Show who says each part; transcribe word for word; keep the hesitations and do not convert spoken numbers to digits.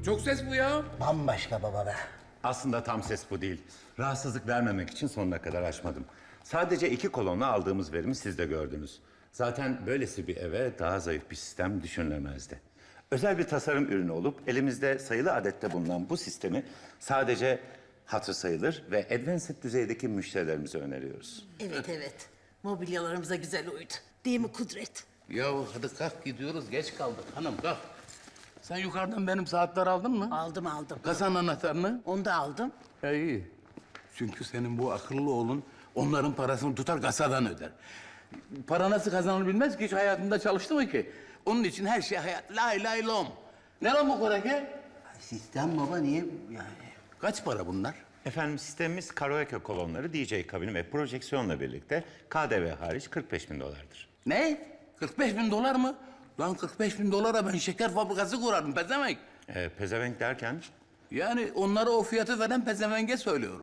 Speaker 1: Çok ses bu ya.
Speaker 2: Bambaşka baba be.
Speaker 3: Aslında tam ses bu değil. Rahatsızlık vermemek için sonuna kadar açmadım. Sadece iki kolonla aldığımız verimi siz de gördünüz. Zaten böylesi bir eve daha zayıf bir sistem düşünülemezdi. Özel bir tasarım ürünü olup elimizde sayılı adette bulunan bu sistemi sadece hatır sayılır ve advanced düzeydeki müşterilerimize öneriyoruz.
Speaker 4: Evet evet. Mobilyalarımıza güzel uydu. Değil mi Kudret?
Speaker 1: Ya hadi kalk gidiyoruz. Geç kaldık hanım kalk. Sen yukarıdan benim saatler aldın mı?
Speaker 4: Aldım aldım.
Speaker 1: Kasanın anahtarını.
Speaker 4: Onu da aldım.
Speaker 1: Ya iyi. Çünkü senin bu akıllı oğlun onların parasını tutar kasadan öder. Para nasıl kazanılır bilmez ki, hiç hayatında çalıştı mı ki? Onun için her şey hayat. Lay lay lom. Ne lan bu korake?
Speaker 2: Sistem baba niye yani?
Speaker 1: Kaç para bunlar?
Speaker 3: Efendim sistemimiz karaoke kolonları, D J kabini ve projeksiyonla birlikte K D V hariç kırk beş bin dolardır.
Speaker 1: Ne? kırk beş bin dolar mı? Lan kırk beş bin dolara ben şeker fabrikası kurarım pezevenk.
Speaker 3: Ee, pezevenk derken
Speaker 1: Yani onlara o fiyatı veren pezevenge söylüyorum.